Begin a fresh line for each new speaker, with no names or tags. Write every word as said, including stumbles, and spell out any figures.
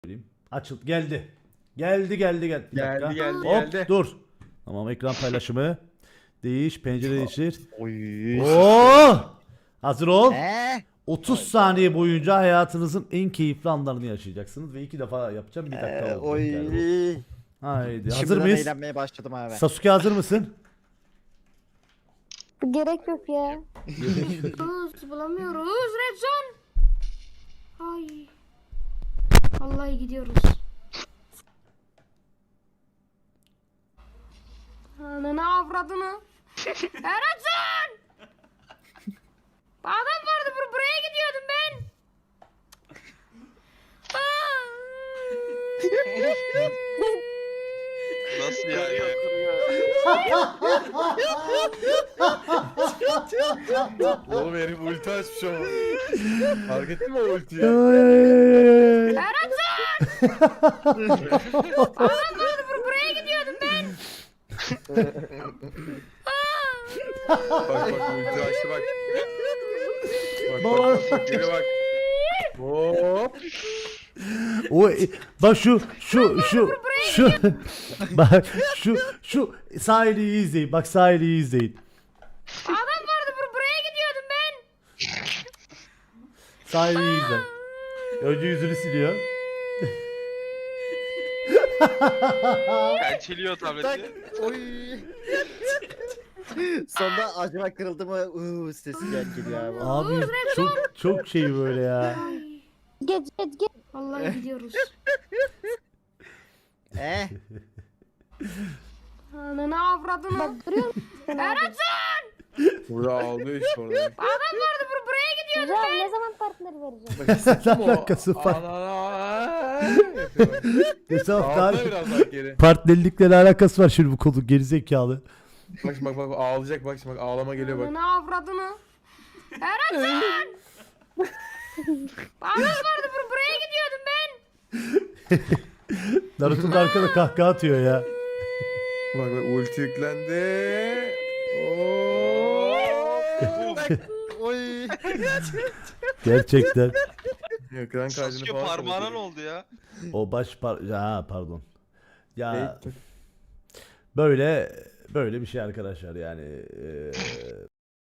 söyleyeyim. Açıl geldi. Geldi geldi geldi. Bir
Geldi,
dakika.
geldi,
Hop,
geldi.
dur. Tamam, ekran paylaşımı. Değiş, pencere değiştir.
Oy.
Oo! Hazır ol.
Eee?
otuz saniye boyunca hayatınızın en keyifli anlarını yaşayacaksınız ve iki defa yapacağım. Bir dakika
Ee,
oldu.
oy.
Yani. Haydi. Hazır
Şimdiden
mıyız?
eğlenmeye başladım abi.
Sasuke hazır mısın?
Gerek yok ya. Bulamıyoruz, bulamıyoruz. Red zone. Ay. Vallahi gidiyoruz. Ananı avradını. Ya Red zone. Adam vardı bur buraya gidiyordum ben.
Nasıl yani?
Oğlum herif ulti açmış ama. Fark ettin mi o ultiyi?
Ya Red zone. Adam vardı bur buraya gidiyordum ben.
Bak bak ulti açtı bak. Bak
Baba.
bak bak geri bak. Hop.
O e, bak şu şu şu şu bak şu şu sahili iyi izleyin. Bak sahili iyi izleyin.
Adam vardı bur buraya gidiyordum ben.
Sahili iyi izle. Önce yüzünü siliyor.
Pençeliyor
Tak.
tableti.
Oy. Sonunda acaba kırıldı mı? Uuu sesi gel geliyor abi.
Abi çok çok şey böyle ya.
Geç geç geç. Vallahi gidiyoruz.
Eh.
Ananı avradını. Bak duruyor musun? Red zone.
Burada aldı işte orada.
Adam vardı bur buraya gidiyordum ben. Ne zaman partner vereceğim?
Bak hissettin mi o?
Alakası var.
Ana. Yapıyor bak.
Mesela
Aldı biraz daha geri.
partnerlikle ne alakası var şimdi bu konu gerizekalı.
Bak şimdi bak bak ağlayacak bak şimdi bak ağlama geliyor bak.
Ananı avradını. Red zone. Adam vardı bur buraya gidiyordum ben.
Naruto'nun arkada kahkaha atıyor ya.
Bak bak ulti yüklendi. Oo.
Oy.
Gerçekten.
Ekran kaydını
Sasuke
falan
parmağına
kapatıyor.
ne oldu ya?
O baş par ha pardon. Ya
Ne?
böyle böyle bir şey arkadaşlar yani. eee,